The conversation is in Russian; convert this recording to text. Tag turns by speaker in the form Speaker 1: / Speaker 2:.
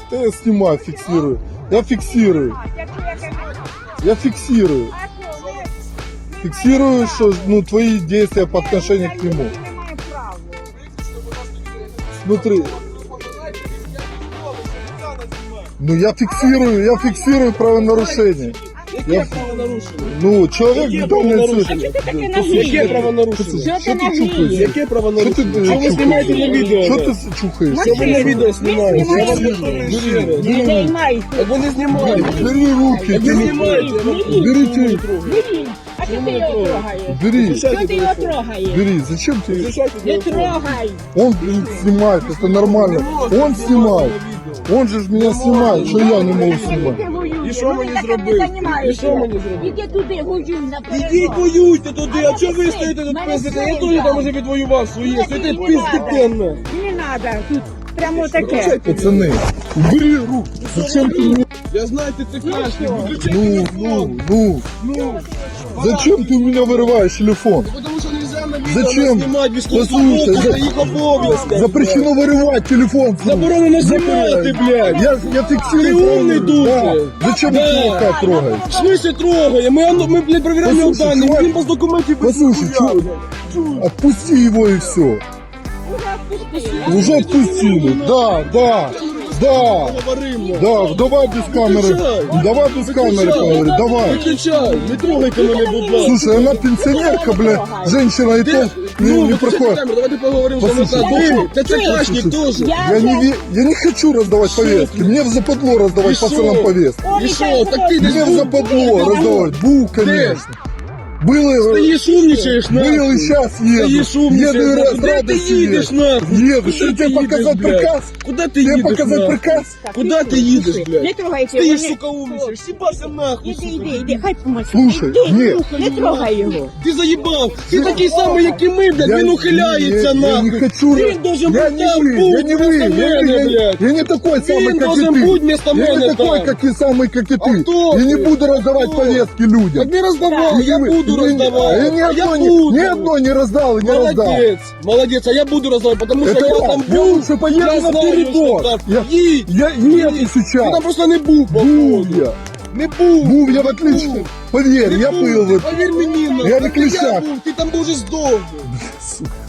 Speaker 1: Да я снимаю, фиксирую. Я фиксирую. Я фиксирую. Фиксирую, что ну, твои действия по отношению к нему. Смотри. Ну я фиксирую правонарушение.
Speaker 2: Яке правонарушення?
Speaker 1: Ну, человек
Speaker 2: Яке
Speaker 1: в данной
Speaker 2: правонарушення? Яке правонарушення?
Speaker 1: Що ти чухаєш?
Speaker 2: Яке правонарушення?
Speaker 1: Що ти
Speaker 2: Що ви знімаєте на відео?
Speaker 1: Що ти чухаєш?
Speaker 2: Що ви на відео знімаєте? Я вам повторюю ще раз.
Speaker 3: Не займайся.
Speaker 2: Так ви не знімаєте.
Speaker 1: Бери руки.
Speaker 2: Так ви знімаєте. Я вам
Speaker 1: Берите.
Speaker 3: Бери. А що ти його трогаєш?
Speaker 1: Бери.
Speaker 3: Що ти його трогаєш?
Speaker 1: Бери. Зачем ты?
Speaker 3: Не трогай.
Speaker 1: Он снимает, это нормально. Он снимает. Он же ж меня снимает, что я не могу снимать.
Speaker 2: І що мені зробити? І що мені зробити?
Speaker 3: Іди туди, воюй наперед.
Speaker 2: Ідіть воюйте туди, а чого ви стоїте тут пиздите? Я теж там уже відвоював своє, стоїте пиздите на.
Speaker 3: Не треба, тут прямо таке.
Speaker 1: Пацаны, убери руку. Зачем ты мне?
Speaker 2: Я знаю, ти це крашний, виключай
Speaker 1: Ну. Зачем ты у меня вырываешь телефон?
Speaker 2: Тому що нельзя на відео
Speaker 1: Зачем?
Speaker 2: знімати
Speaker 1: Послухай,
Speaker 2: військовослужбовців, це їх обов'язки.
Speaker 1: Запрещено вырывать телефон.
Speaker 2: Заборонено знімати, блядь.
Speaker 1: Я фиксирую.
Speaker 2: Ты умный,
Speaker 1: Да.
Speaker 2: Душа.
Speaker 1: Зачем
Speaker 2: Да.
Speaker 1: ты чувака трогаешь?
Speaker 2: В смысле трогає? Ми блядь, проверяємо його
Speaker 1: Послушай,
Speaker 2: дані,
Speaker 1: чувак,
Speaker 2: він без документів без
Speaker 1: Послушай, отпусти его и все. Уже отпустили. Да.
Speaker 2: Говоримо.
Speaker 1: Да, давай без камеры.
Speaker 2: Выключай.
Speaker 1: Давай без камеры поговорим. Давай.
Speaker 2: Виключай, не трогайте мене, будь ласка.
Speaker 1: Слушай, она пенсионерка, бля. Женщина и то не
Speaker 2: Виключайте
Speaker 1: проходит.
Speaker 2: камеру, давайте поговоримо, що ми
Speaker 1: Послушай,
Speaker 2: так. Ти це крашник теж.
Speaker 1: Я не хочу раздавать повестки. Мне в западло раздавать
Speaker 2: И
Speaker 1: пацанам
Speaker 2: шо?
Speaker 1: повестки.
Speaker 2: І що, так ти десь
Speaker 1: Мне в западло раздавать. Бу, конечно. Было,
Speaker 2: стоїш, умничаєш,
Speaker 1: был и
Speaker 2: нахуй.
Speaker 1: сейчас
Speaker 2: Стоїш,
Speaker 1: еду. Еду и
Speaker 2: умничаєш,
Speaker 1: раз,
Speaker 2: куди ти
Speaker 1: радостью
Speaker 2: їдеш,
Speaker 1: еду.
Speaker 2: нахуй?
Speaker 1: Еду.
Speaker 2: Куди
Speaker 1: Что
Speaker 2: ти
Speaker 1: тебе
Speaker 2: їдеш,
Speaker 1: показать
Speaker 2: блядь?
Speaker 1: приказ?
Speaker 2: Куди ти
Speaker 1: Тебе
Speaker 2: їдеш,
Speaker 1: показать
Speaker 2: нахуй?
Speaker 1: приказ?
Speaker 2: Куди ти їдеш,
Speaker 3: Не
Speaker 2: блядь?
Speaker 3: трогайте.
Speaker 2: Стоїш,
Speaker 3: вони-
Speaker 2: сука, умничаєш, сібався нахуй,
Speaker 3: Іди,
Speaker 2: сука.
Speaker 3: іди, хай помочь.
Speaker 1: Слушай, ні.
Speaker 3: Не трогай його.
Speaker 2: Ти заїбав! Ти такий самий, як і ми, блядь, він ухиляється,
Speaker 1: я
Speaker 2: нахуй!
Speaker 1: не хочу.
Speaker 2: Він должен
Speaker 1: Я
Speaker 2: бути
Speaker 1: не
Speaker 2: там,
Speaker 1: вы, я
Speaker 2: будь
Speaker 1: не вы,
Speaker 2: вместо мене, блядь!
Speaker 1: я не такой самый,
Speaker 2: Він
Speaker 1: как и
Speaker 2: должен бути
Speaker 1: ты.
Speaker 2: вместо
Speaker 1: Я
Speaker 2: мене
Speaker 1: не такой,
Speaker 2: там!
Speaker 1: как и самый, как и
Speaker 2: А
Speaker 1: ты.
Speaker 2: кто
Speaker 1: Я не
Speaker 2: ты?
Speaker 1: буду раздавать
Speaker 2: Кто?
Speaker 1: повестки людям.
Speaker 2: Так не роздавай, я
Speaker 1: Не-
Speaker 2: буду
Speaker 1: не-
Speaker 2: роздавати!
Speaker 1: Я ни
Speaker 2: А
Speaker 1: одно,
Speaker 2: буду.
Speaker 1: ни одно не раздал и не раздал.
Speaker 2: Молодець, молодець, а я буду роздавати, тому що
Speaker 1: Это
Speaker 2: я
Speaker 1: я.
Speaker 2: там
Speaker 1: Я
Speaker 2: був,
Speaker 1: лучше поеду
Speaker 2: я
Speaker 1: на
Speaker 2: знаю,
Speaker 1: передок.
Speaker 2: що там.
Speaker 1: Я-
Speaker 2: Їдь!
Speaker 1: Я еду
Speaker 2: Ти
Speaker 1: сейчас.
Speaker 2: там просто не був,
Speaker 1: Був
Speaker 2: походу.
Speaker 1: я.
Speaker 2: Не був!
Speaker 1: Був я в отлично. Поверь,
Speaker 2: Не
Speaker 1: я
Speaker 2: був.
Speaker 1: был.
Speaker 2: Повір мені, нахуй.
Speaker 1: Я на
Speaker 2: Так і
Speaker 1: ключах.
Speaker 2: був, ти там був вже здохнув.
Speaker 1: Сука.